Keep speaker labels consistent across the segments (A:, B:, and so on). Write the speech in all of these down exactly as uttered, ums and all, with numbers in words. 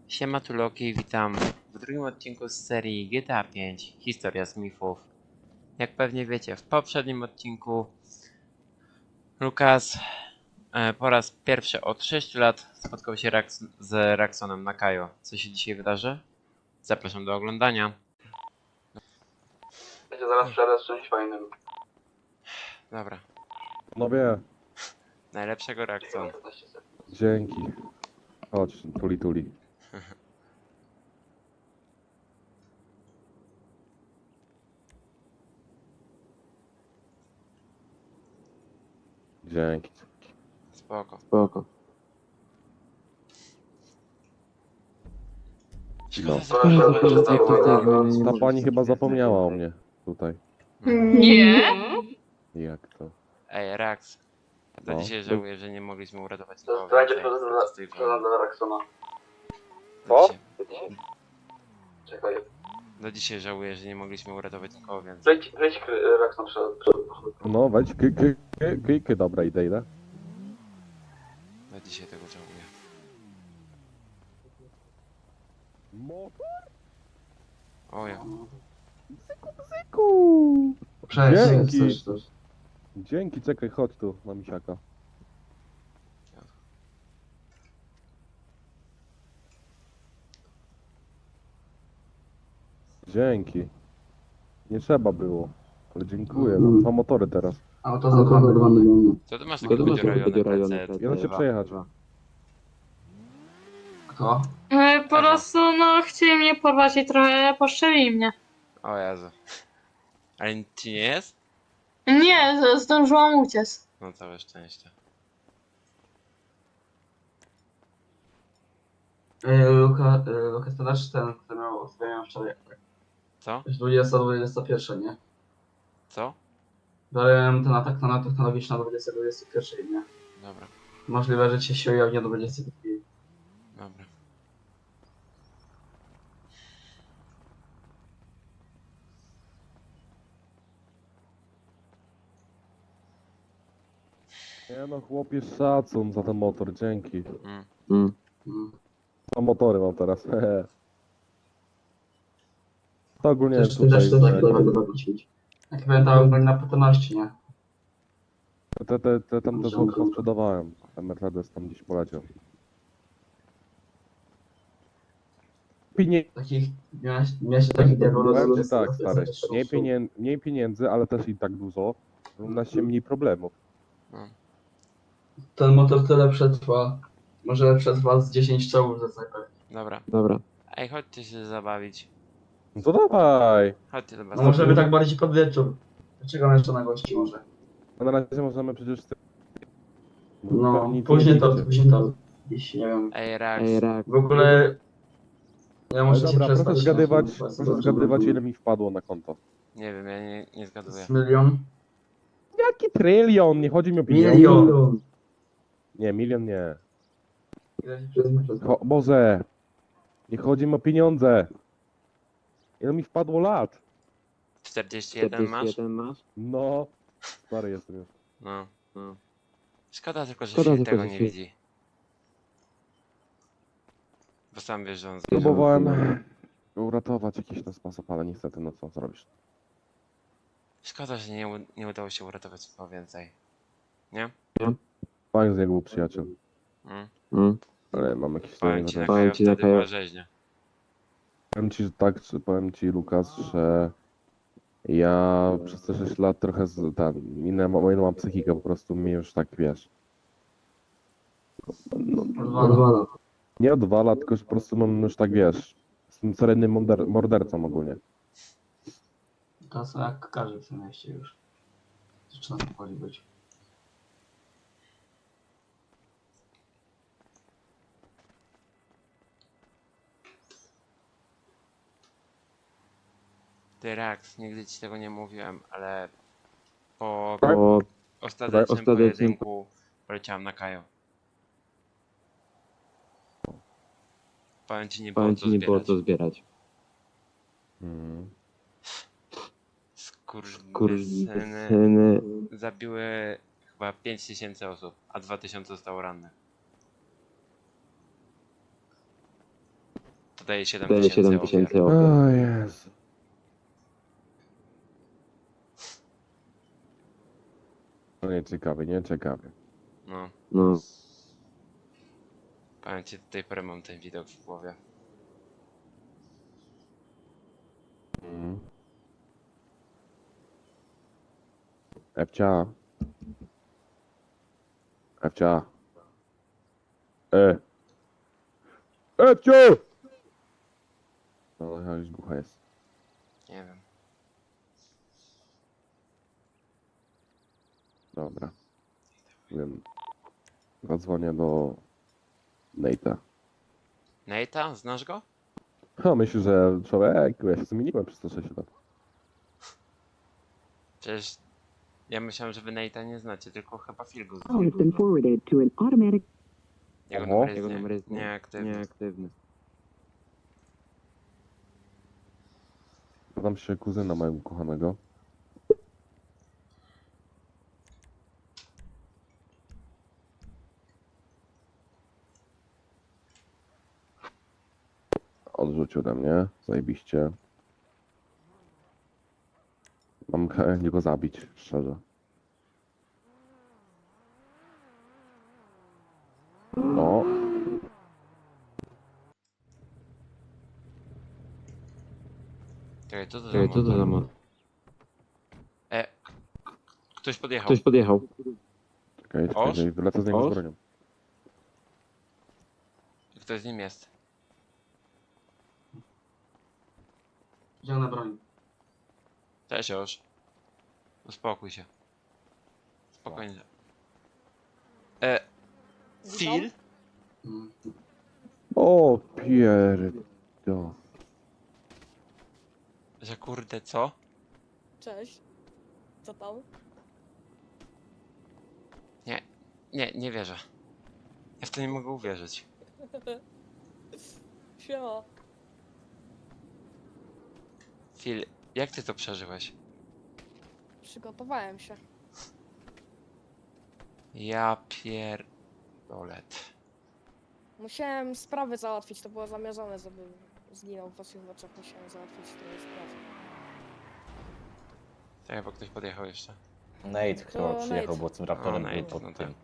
A: Siema tu Loki, witam w drugim odcinku z serii G T A pięć Historia Smithów. Jak pewnie wiecie, w poprzednim odcinku Lukas e, po raz pierwszy od sześciu lat spotkał się Rax z Raxonem na Kajo. Co się dzisiaj wydarzy? Zapraszam do oglądania.
B: Będzie zaraz przerwę z czymś fajnym.
A: Dobra,
C: No wie,
A: najlepszego Raxon.
B: piętnaście sekund.
C: dzięki. Chodź, tuli tuli. Dzięki.
A: Spoko.
D: Spoko.
A: Szkoda,
C: No.
A: że
B: Proszę,
A: nie
B: proszę,
A: zobaczyć
B: proszę,
A: tego.
B: proszę.
C: Ta pani chyba zapomniała o mnie tutaj.
E: Nie.
C: Jak to?
A: Ej, Rax. Do
C: No.
A: dzisiaj żałuję, że nie mogliśmy uratować
B: To
A: nikogo
B: będzie
A: więcej z tej
B: prezent
A: wojny.
B: dla Raxona.
A: Do
C: Co?
A: dzisiaj-
B: Czekaj.
A: Do dzisiaj żałuję, że nie mogliśmy uratować nikogo więcej.
B: Wejdź, wejdź Raxon przed, przed.
C: No wejdź, ky, ky, ky, ky, ky. Dobra, idę, idę.
A: Do dzisiaj tego żałuję.
C: Motor?
A: O ja.
C: Ku.
B: Cześć,
C: Dzięki.
B: coś, coś.
C: Dzięki, czekaj, chodź tu, na misiaka. Dzięki. Nie trzeba było. Ale dziękuję, mam dwa motory teraz.
B: A to za dwa miliony.
A: Co ty masz
D: To
A: takiego
D: ty masz takiego
A: podziurajone
D: podziurajone
A: P C?
C: Ja da się przejechać.
B: Kto?
E: E, Po prostu no chcieli mnie porwać i trochę poszczeli mnie.
A: O Jezu. Ale nic ci nie jest?
E: Nie, z- zdążyłam uciec.
A: No całe szczęście.
B: Luka, Luka, to też ten, który miał zmieniał wczoraj.
A: Co?
B: Już dwudziesta, dwudziesta pierwsza, nie?
A: Co?
B: Dałem ten atak na technologiczny na dwudziesta, dwudziesta pierwsza, nie?
A: Dobra,
B: Możliwe, że cię się ujawni do dwudziestej drugiej.
A: dobra.
C: Nie no, chłopie, szacun za ten motor, dzięki.
A: Mm.
D: Mm.
B: Mm.
C: Dwa motory mam teraz, hehe. To ogólnie
B: Też,
C: tutaj,
B: też, też tak
C: te,
B: będę robić. Jak pamiętałem, byli na pewności, nie?
C: te, te, te tam też chyba sprzedawałem. Ten Mercedes tam gdzieś poleciał. Pienie...
B: Takich, miałeś, miałeś takich
C: Powiem ci
B: diabolów.
C: tak, stary, mniej, pienien... mniej pieniędzy, ale też i tak dużo. Równa się mniej problemów.
A: No.
B: Ten motor tyle przetrwa. Może przetrwa z dziesięć czołów ze snajperki.
A: Dobra.
D: Dobra.
A: Ej, chodźcie się zabawić.
C: No to dawaj!
A: Chodźcie do
B: No
A: basenu.
B: może by tak bardziej pod wieczór. Czekam jeszcze na gości może.
C: A na razie możemy przecież...
B: No,
C: Nic
B: później
C: nie
B: to,
C: widzicie.
B: później to. Jeśli nie wiem.
A: Ej, Rax.
D: Ej, rak.
B: W ogóle... Ja
C: Ale
B: muszę się
C: dobra,
B: przestać...
C: proszę zgadywać,
B: no,
C: proszę zgadywać ile mi wpadło na konto.
A: Nie wiem, ja nie, nie zgaduję.
B: Z milion?
C: Jaki trylion? Nie chodzi mi o pieniądze.
B: Milion!
C: Nie, milion nie.
B: Ile ci przestać?
C: Cho Boże! Nie chodzi mi o pieniądze. Ile mi wpadło lat?
A: czterdzieści jeden masz?
D: czterdzieści jeden masz?
C: No. Stary jestem już.
A: No.
D: No.
A: Szkoda tylko, że
D: Szkoda
A: się
D: tylko,
A: tego
D: że
A: nie
D: się-
A: widzi. Bo sam wiesz, że on zbierze.
C: Próbowałem uratować jakiś ten sposób, ale niestety no co zrobisz.
A: Szkoda, że nie, u- nie udało się uratować nikogo więcej. Nie?
C: Fajny z niego był przyjaciel.
A: Mm.
D: Mm.
C: Ale mam jakieś
A: Powiem ci, na
C: swoje
D: Powiem
A: Kajo
D: ci, na
A: wtedy
D: Kajo.
A: była rzeźnia.
C: Powiem ci, że tak, że powiem ci Lukas, że ja przez te sześć lat trochę z, ten, inną, mam- inną mam psychikę, po prostu mnie już tak wiesz. No,
B: Odwala.
C: nie odwala, tylko że po prostu mam już tak wiesz. Jestem seryjnym morder mordercą ogólnie.
B: To są jak każdy w tym mieście już. Zaczyna powoli być.
A: Ty Rax, nigdy ci tego nie mówiłem, ale po
D: Po
A: ostatecznym
D: ostatecznym-
A: pojedynku poleciałem na Kajo. Powiem ci, nie było
D: powiem
A: co
D: ci, nie było
A: zbierać.
D: co zbierać.
C: Mm.
A: Skurwysyny
D: Syny.
A: zabiły chyba pięć tysięcy osób, a dwa tysiące zostało rannych. daje siedem
D: Daje
A: tysięcy
D: siedem
A: ofiar.
D: tysięcy ofiar.
C: O Jezu. No nie ciekawie, nie ciekawie.
A: No,
D: No,
A: powiem ci, do tej pory mam ten widok w głowie.
C: Mhm. Ewcia. Ewcia. E. Ewciu! No, ale już głucha jest.
A: Nie wiem.
C: Dobra. Wiem. Zadzwonię do Nate'a.
A: Nate'a? Znasz go?
C: Ha, myślę, że człowiek, ja się zmieniłem przez te sześć lat.
A: Przecież ja myślałem, że wy Nate'a nie znacie, tylko chyba Filgus.
F: Call has been forwarded to an automatic.
A: Jego
C: Oho.
A: numer jest
D: jego
A: nie,
D: numer jest nie-
A: nieaktywny.
D: nieaktywny.
C: Zadam się kuzyna mojego kochanego. Odrzucił ode mnie, zajebiście. Mam chęć go zabić, szczerze. No,
A: Czekaj, co to za
D: Czekaj, co to
A: motor?
D: za ma?
A: E, ktoś podjechał.
D: Ktoś podjechał.
C: czekaj,
A: Oż?
C: czekaj, wylecę z niego z
D: Oż?
C: bronią.
A: Ktoś z nim jest.
B: Wziął na broń.
A: Cześć już. Uspokój się. Spokojnie. E, Phil?
B: Mm.
C: O, pierdo.
A: Że kurde, co?
G: Cześć. Co tam?
A: Nie, nie wierzę. Ja w to nie mogę uwierzyć.
G: Siema.
A: Phil, jak ty to przeżyłeś?
G: Przygotowałem się.
A: Ja pierdolet.
G: Musiałem sprawy załatwić, to było zamierzone, żeby zginął w waszych oczach. Musiałem załatwić trochę spraw.
A: Tak, bo ktoś podjechał jeszcze.
H: Nate chyba
G: To
H: przyjechał,
G: Nate.
H: bo tym raptorem
A: O,
H: był
A: Nate,
H: pod
A: no
H: tym.
A: tak.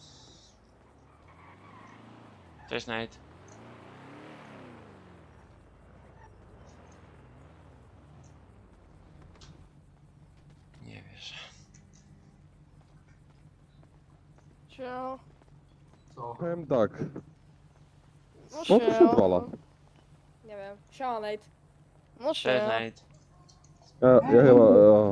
A: Cześć Nate. Nie wierzę.
G: Cio.
B: Co?
C: Powiem tak,
G: No
C: co tu się
G: siema.
C: odwala?
G: Nie wiem. Siema, Nate. No
A: Cześć
G: siema.
A: Nate.
C: Ja, ja chyba... e,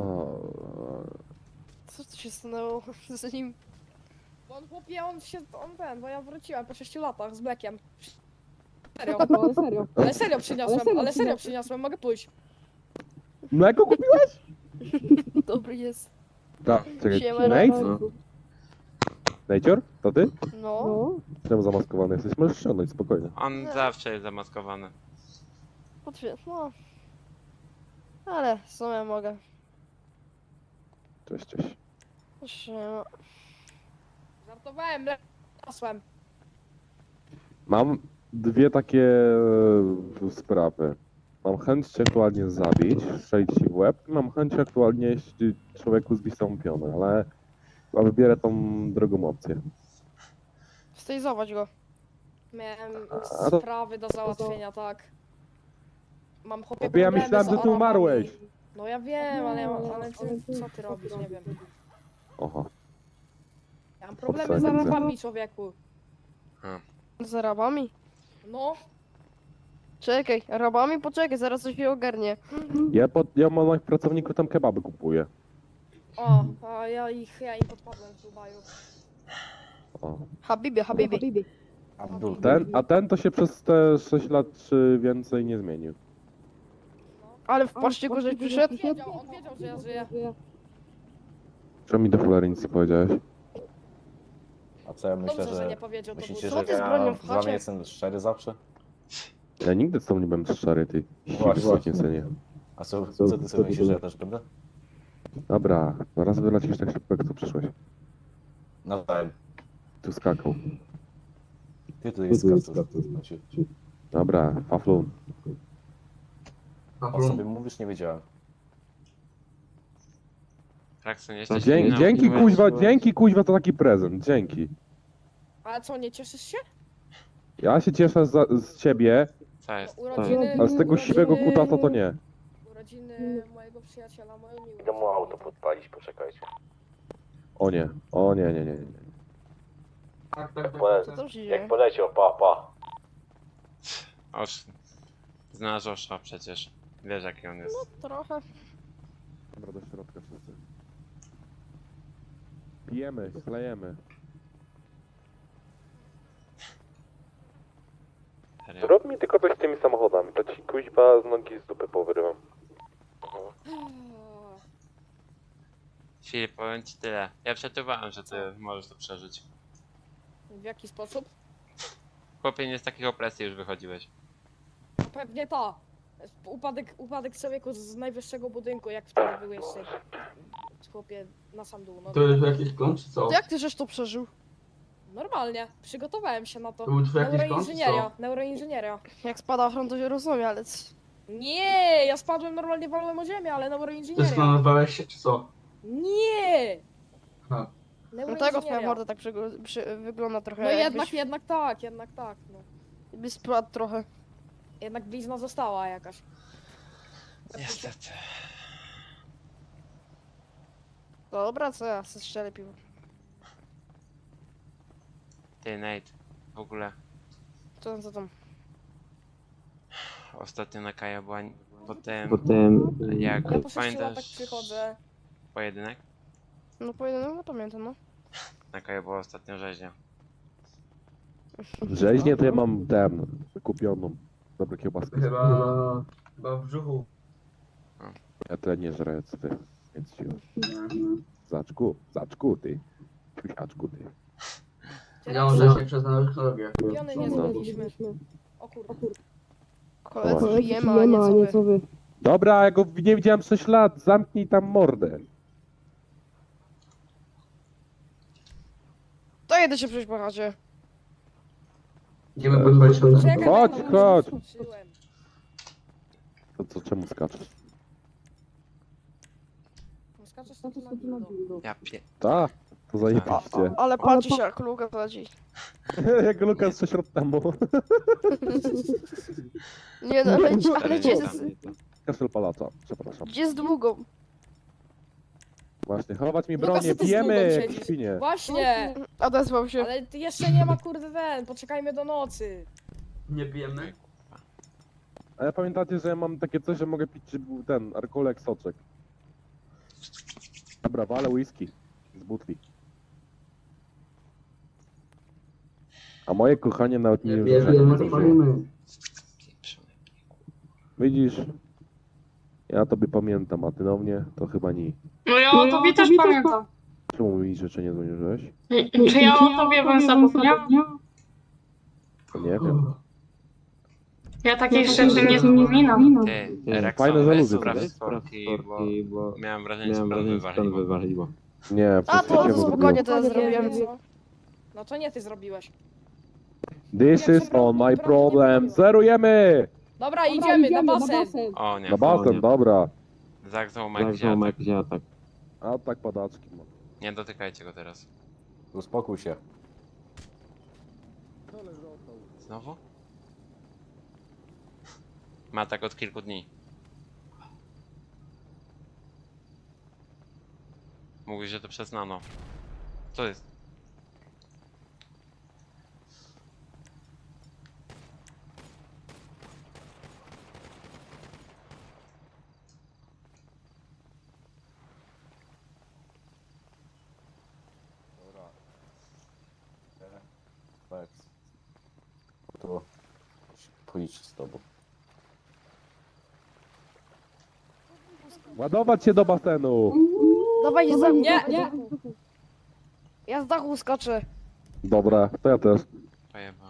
G: Co tu się stanęło z nim? Bo on chłopie, on się, on ten, bo ja wróciłem po sześciu latach z Blackiem. Serio, ale serio. Ale serio przyniosłem, ale serio przyniosłem, mogę pójść.
C: Mleko kupiłeś?
G: Dobry jest.
C: Tak, czekaj,
G: Siema,
C: Nate?
D: No.
C: Nate'or? To ty?
G: No.
C: Czemu zamaskowany jesteś? Możesz ściągnąć, spokojnie.
A: On
G: Nie.
A: zawsze jest zamaskowany.
G: Potwier- no. Ale w sumie mogę.
C: Cześć, cześć.
G: Siema. Żartowałem, lecłem.
C: Mam dwie takie e, sprawy. Mam chęć cię aktualnie zabić, strzelić ci w łeb i mam chęć aktualnie jeśli człowieku zbić tą pionę, ale chyba wybierę tą drugą opcję.
G: Stejzować go. Miałem
C: A to-
G: sprawy do załatwienia, tak. Mam chłopie
C: Bo ja
G: problemy
C: myślałem,
G: z
C: że ty
G: Arabami.
C: umarłeś.
G: No ja wiem, ale, ja- ale ty, co ty robisz, nie wiem.
C: Oho.
G: Ja mam problemy z
C: Obsadzi,
G: Arabami, człowieku.
I: Z Arabami?
G: No,
I: Czekaj, Arabami? Poczekaj, zaraz coś się ogarnie.
C: Ja, pod, ja mam moich pracowników tam kebaby kupuję.
G: o, a ja ich, ja im podpadłem w Dubaju.
C: O.
I: Habibi, Habibi.
H: Abdul.
C: Ten, a ten to się przez te sześć lat czy więcej nie zmienił.
I: Ale w paszcie go żeś przyszedł?
G: On wiedział, on wiedział, że ja żyję.
C: Czemu mi do cholery nic nie powiedziałeś?
H: A co ja myślę,
G: Dobrze, że nie
H: że...
G: powiedział, to
H: Myślicie,
G: był
I: Co
H: że
I: ty z bronią
H: ja
I: w
H: z wami
I: chacie?
H: jestem szczery zawsze?
C: Ja nigdy z tobą nie byłem szczery, ty.
H: Właśnie.
C: Właśnie, synie.
H: A co, co ty sobie myślisz, że ja też będę?
C: Dobra, zaraz wylecisz tak szybko, jak tu przyszłeś.
H: Nawzajem.
C: Tu skakał.
H: Ty tu jest kartu.
C: Dobra, Faflun.
H: O sobie mówisz, nie wiedziałem.
A: Rakson,
C: No,
A: jesteś
C: dzięki,
A: inną
C: dzięki
A: uczułeś-
C: kuźwa, dzięki kuźwa to taki prezent, dzięki.
G: Ale co, nie cieszysz się?
C: Ja się cieszę za, z ciebie,
A: Co
G: No,
A: jest?
G: urodziny,
C: a z tego
G: urodziny,
C: siwego kutasa to nie.
G: Urodziny mojego przyjaciela, moją miłość.
H: Idę mu auto podpalić, poczekajcie.
C: O nie, o nie, nie, nie, nie.
B: Tak, tak, tak.
H: Bo-
I: Co
B: tak.
I: tam się dzieje?
H: Jak poleciał, pa, pa.
A: Oż. Znasz Osza przecież. Wiesz jaki on jest.
I: Trochę.
C: Dobra, do środka wszyscy. Pijemy, chlejemy.
A: Serio.
C: Zrób mi tylko coś z tymi samochodami, to ci kuźwa z nogi z dupy powyrywam.
A: Filip, powiem ci tyle. Ja przeczuwałem, że ty możesz to przeżyć.
G: W jaki sposób?
A: Chłopie, nie z takich opresji już wychodziłeś.
G: Pewnie ta. Upadek, upadek człowieku z najwyższego budynku, jak wtedy był jeszcze. Chłopie, na sam dół. No,
B: To jest jakiś klon, czy co?
I: To jak ty żeś to przeżył?
G: normalnie, przygotowałem się na to.
B: To był twój jakiś klon, czy
G: Neuroinżynieria,
B: co?
G: neuroinżynieria.
I: Jak spada ochron, to się rozumie, ale... c-
G: Nie, ja spadłem normalnie, walłem o ziemię, ale
B: To jest
G: neuroinżynieria.
B: planowałeś się, czy co?
G: Nie!
B: Aha.
I: No tego twoja
G: Neuroinżynieria.
I: morda tak przygo- przy, wygląda trochę
G: No jednak,
I: jakbyś,
G: jednak tak, jednak tak, no.
I: jakbyś spadł trochę.
G: Jednak blizna została jakaś.
A: Niestety.
I: Dobra, co ja, se strzelę piwo.
A: Ty, Nate. W ogóle.
I: Co tam, co tam?
A: Ostatnio na Kaja była po tym,
D: Potem
A: jak
G: Ja po sześciu latach
A: pamiętasz
G: przychodzę.
A: pojedynek?
I: No pojedynek, no pamiętam, no.
A: Na Kaja była ostatnio rzeźnia.
C: Rzeźnie to ja mam ten, kupioną. Dobre kiełbaski.
B: Chyba... Chyba w brzuchu.
C: Ja tyle nie żrę, co ty. Więc ci... Zaczku, zaczku ty. Siusiaczku ty.
B: Ja mam rzeźnie przez nanotechnologię.
G: Piony nie
C: No.
G: zrobiliśmy. O kurde.
I: Koledzy
C: O.
I: pijemy, a nie co wy.
C: Dobra, ja go nie widziałem sześć lat, zamknij tam mordę.
I: To jedę się przejść po chacie.
B: Idziemy podpalić auto.
G: Czekaj,
C: Chodź,
G: bo już
C: chodź.
G: skończyłem.
C: To co, czemu skaczesz?
G: No skaczesz na to na dildo.
A: Ja pie...
C: Ta, to zajebiście.
I: Ale patrzy się jak Luka leci.
C: Jak Lukas sześć lat temu.
I: Nie no, leci, ale
A: Ale
I: gdzie
A: nie
I: jest,
A: tam.
C: Kaszel palacza, przepraszam.
I: gdzie z długą?
C: Właśnie, chować mi
G: Lukas,
C: bronię,
G: ty z
C: pijemy
G: długą
C: jak
G: siedzisz.
C: świnie.
G: Właśnie!
I: Odezwał się.
G: Ale ty jeszcze nie ma kurde ten, poczekajmy do nocy.
B: Nie pijemy?
C: Ale pamiętacie, że ja mam takie coś, że mogę pić czy był ten, alkoholek, soczek. Dobra, walę whisky z butli. A moje kochanie nawet nie
B: Nie
C: wiem, że
B: pijemy, to palimy.
A: Pieprzony.
C: widzisz, ja tobie pamiętam, a ty na mnie to chyba nie.
E: No ja o tobie też pamiętam.
C: Czemu mi rzeczy nie dzwoniłeś?
E: Czy ja o tobie bym zapomniał?
C: To nie wiem.
E: Ja takich rzeczy nie wspominam.
A: Ty,
C: Fajne
A: Rexon, weź
C: zaluzy,
A: spraw
C: tak?
A: sporki, bo
D: bo
A: miałem wrażenie, że
D: miałem
A: sprawy
D: wrażenie, że pan
A: wywaliło.
D: wywaliło.
C: Nie,
I: A
C: przez
I: to,
C: ciebie
I: to spokojnie
C: zrobiłem.
I: to ja zrobiłem.
G: Co? No to nie ty zrobiłeś.
C: This is all my problem. Zerujemy!
G: Dobra, idziemy na basen.
A: O nie,
C: Na basen, dobra.
A: zagzał Mike
D: Tak,
A: Ziatek.
D: jak ziatek.
C: A tak padaczki mam.
A: Nie dotykajcie go teraz.
H: Uspokój się.
A: Znowu? Ma tak od kilku dni. Mówi, że to przez nano. Co jest?
H: Dobra. Lex. To policzę z tobą.
C: Ładować się do basenu!
I: Dawaj za mnie.
G: Nie, nie.
I: Ja z dachu skaczę.
C: Dobra, to ja też.
A: Pojebały.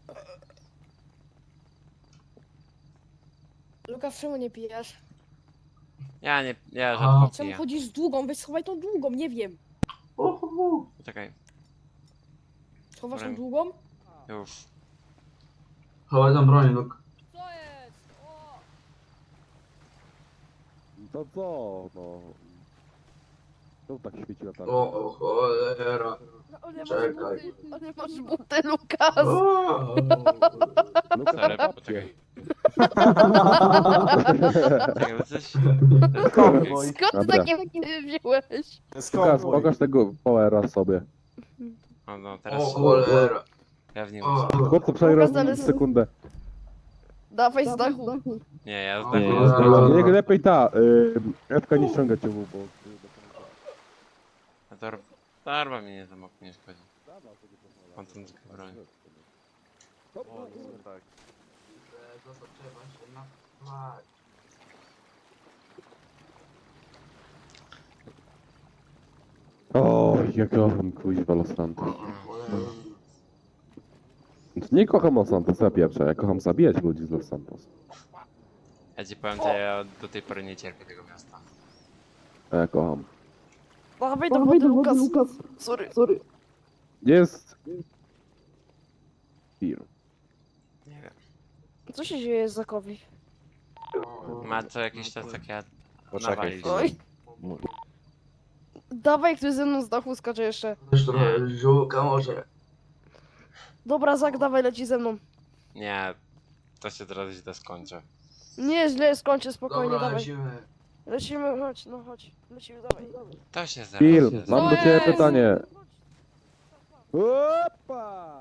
G: Lukas, czemu nie pijesz?
A: Ja nie, ja
B: A.
A: rzadko
G: Czemu
A: piję.
G: chodzisz z długą? Weź schowaj tą długą, nie wiem.
A: Poczekaj,
G: Schowasz tą
A: Dobra.
G: długą?
A: już.
B: Chowaj tam broń, Luke.
G: Co jest? O!
C: To co, no... To tak świeci latarka.
B: O, o cholera.
G: No, ale masz
B: Czekaj.
G: buty, ale masz buty, Lukas!
B: O,
C: Lukas,
A: Sorry,
C: babcie.
A: poczekaj. Czekaj, bo coś...
H: Konwoj.
G: Skąd ty
C: Dobra.
G: takie buty wziąłeś?
C: Lukas,
H: Konwoj.
C: pokaż tego powera sobie.
A: O, no
B: o
A: teraz
B: cholera.
A: ja w nim
B: O,
A: muszę.
C: Chłopcu, przejrzał
I: Lukas, ale-
C: sekundę.
I: Dawaj z dachu.
A: Nie, ja
B: O,
A: zdaję.
B: cholera.
C: Niech lepiej ta, y, Ewka nie ściąga cię, bo...
A: A to darba mnie nie zamok nie szkodzi. On tam tylko broń.
H: O, nie, tak.
B: Zostaw, trzeba się na... Dawaj.
C: O, jak kocham kuźwa Los Santos.
B: O, cholera.
C: Nie kocham Los Santos, ja pierwsza, ja kocham zabijać ludzi z Los Santos.
A: Ja ci powiem, że ja do tej pory nie cierpię tego miasta.
C: A ja kocham.
I: Dawaj do wody, Lukas. Sorry. Sorry.
C: Jest... Film.
A: Nie wiem.
I: Co się dzieje z Zakowi?
A: Ma co jakiś czas takie
H: Poczekaj
A: nawalić.
H: chwilę.
I: Oj. Dawaj, ktoś ze mną z dachu skacze jeszcze.
B: Też trochę żółka może.
I: Dobra, Zak, dawaj, leci ze mną.
A: Nie, to się teraz źle skończy.
I: Nie, źle, skończę, spokojnie,
B: Dobra,
I: dawaj.
B: lecimy.
I: Lecimy, chodź, no chodź. Lecimy, dawaj.
A: To się zaraz...
C: Phil,
A: się
C: mam
G: Co
C: do ciebie
G: jest?
C: pytanie. Opa!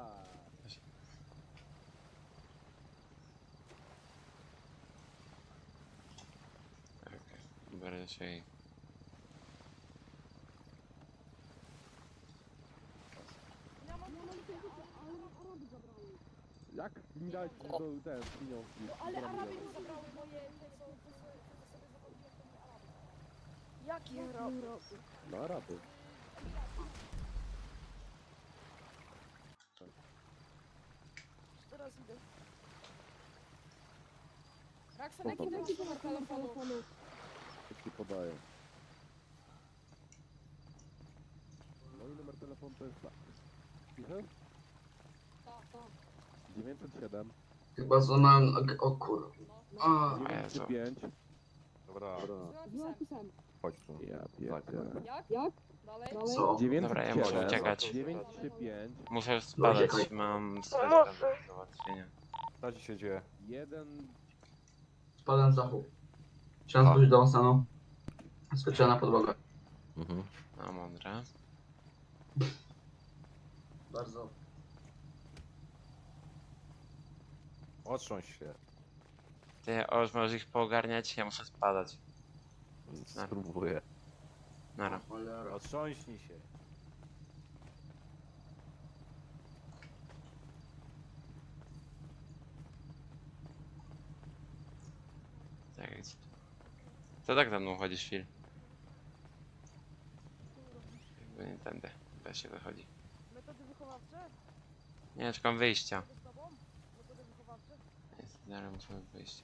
A: Okej, biorę się i...
C: Jak mi dać do ten pieniążki?
G: Ale Araby mi zabrały moje... te co- te co- te sobie zachodziłem, to nie Araby.
I: Jaki Araby?
C: No Araby.
I: Teraz idę.
G: Raksen, jaki ty masz numer telefonu?
C: Jak ci podaję. Mój numer telefonu to jest tak. Cicho? dziewięćset siedem,
B: Chyba złamałem nogę. O kur... A,
C: dziewięćset pięć.
H: Dobra,
G: Napisałem.
H: chodź tu.
C: Ja pierdzielę.
G: Jak? Jak? Dalej?
B: co?
A: Dobra, ja muszę uciekać.
C: dziewięćset pięć,
A: Muszę spadać,
B: Uciekaj.
A: mam swoje sprawy do załatwienia.
H: Co ci się dzieje?
C: jeden...
B: Spadłem z dachu. Chciałem spojrzeć do stanu. Skoczyłem na podłogę.
H: Mhm.
A: No, mądre.
B: Bardzo.
H: Otrząść się.
A: Ty, oż możesz ich poogarniać, ja muszę spadać.
H: Spróbuję.
A: Nara.
B: Cholera.
H: Otrząśnij się.
A: Tak jest. To tak za mną chodzisz, Phil? Jakby nie tędy. Da się wychodzi.
I: Metody wychowawcze?
A: Nie, czekam wyjścia.
I: Z tobą? Metody wychowawcze?
A: Jest, zaraz musimy wyjść.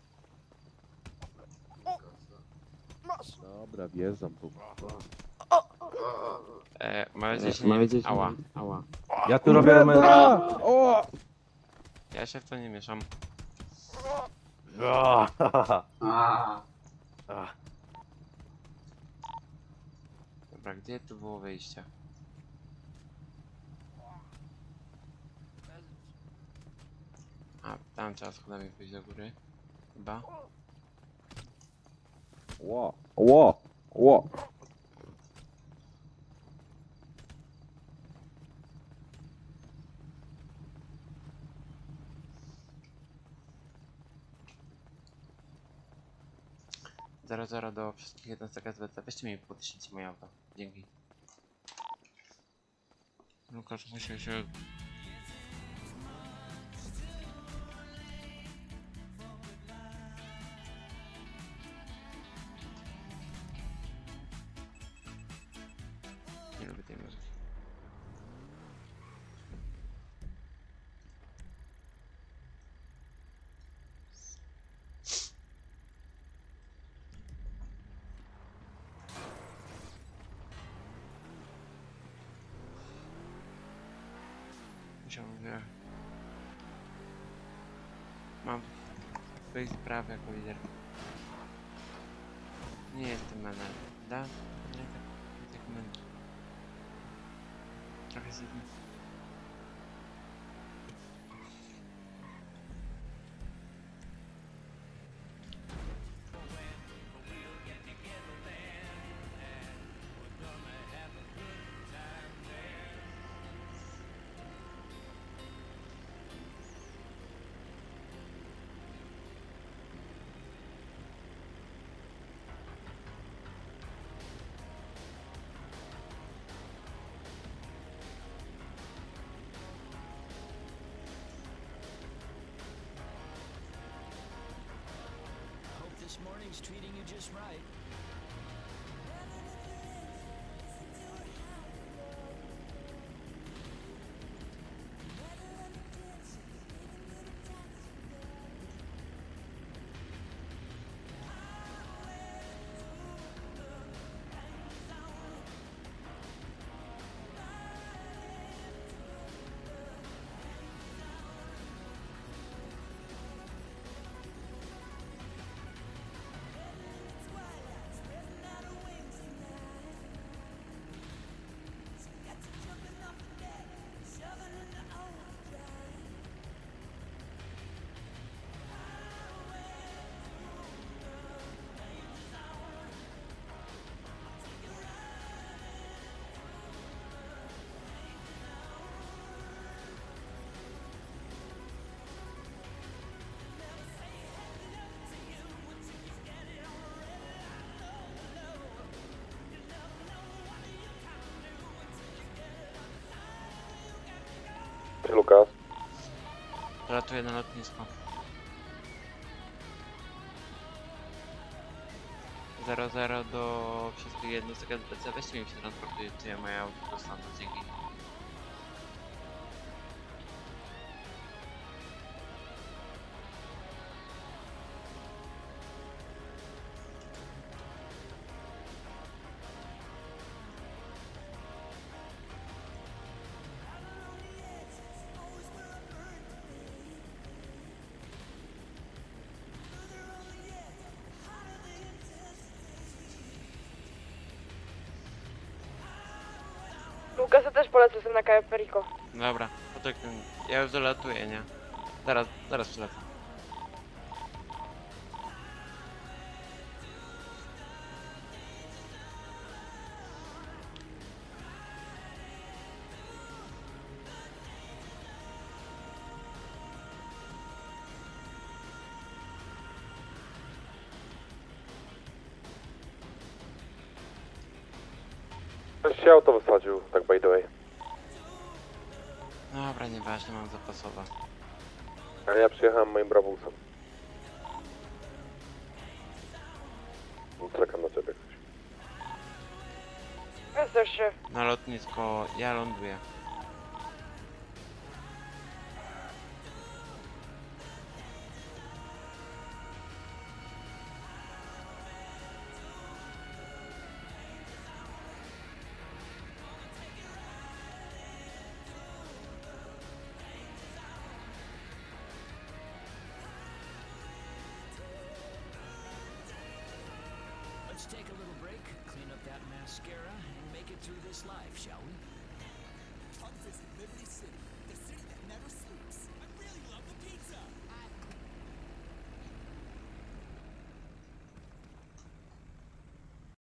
I: Masz!
C: Dobra, wjeżdżam tu.
A: E, mam nadzieję, że nie... Ała.
B: Ała.
H: Ja tu robię numer...
C: O!
A: Ja się w to nie mieszam.
B: A,
A: Dobra, gdzie tu było wyjście? A, tam trzeba schodami pójść do góry. Chyba.
C: Ło! Ło! Ło!
A: Zero zero do wszystkich jednostek S B C. Weźcie mi podnieśnijcie moje auto. Dzięki. Lukas, muszę się... Nie lubię tej muzyki. Musiałem wyjechać. Mam swoich spraw jako lider. Nie jestem menel, da? Ale tak, tak menel. Trochę się...
D: This morning's treating you just right.
C: Lukas.
A: Latuję na lotnisko. zero zero do wszystkich jednostek S B C. Weźcie mi się transportujcie moje auto do stanu, dzięki.
I: Lukas, ja też polecę sobie na Cayo Perico.
A: Dobra, poczekaj, ja już dolatuję, nie? Zaraz, zaraz przylecę.
C: Ktoś się auto wysadził, tak by the way.
A: Dobra, nieważne, mam zapasowe.
C: A ja przyjechałem moim brawusem. Czekam na ciebie.
I: Weź się.
A: Na lotnisko, ja ląduję.
D: Let's take a little break, clean up that mascara, and make it through this life, shall we? Come visit Liberty City.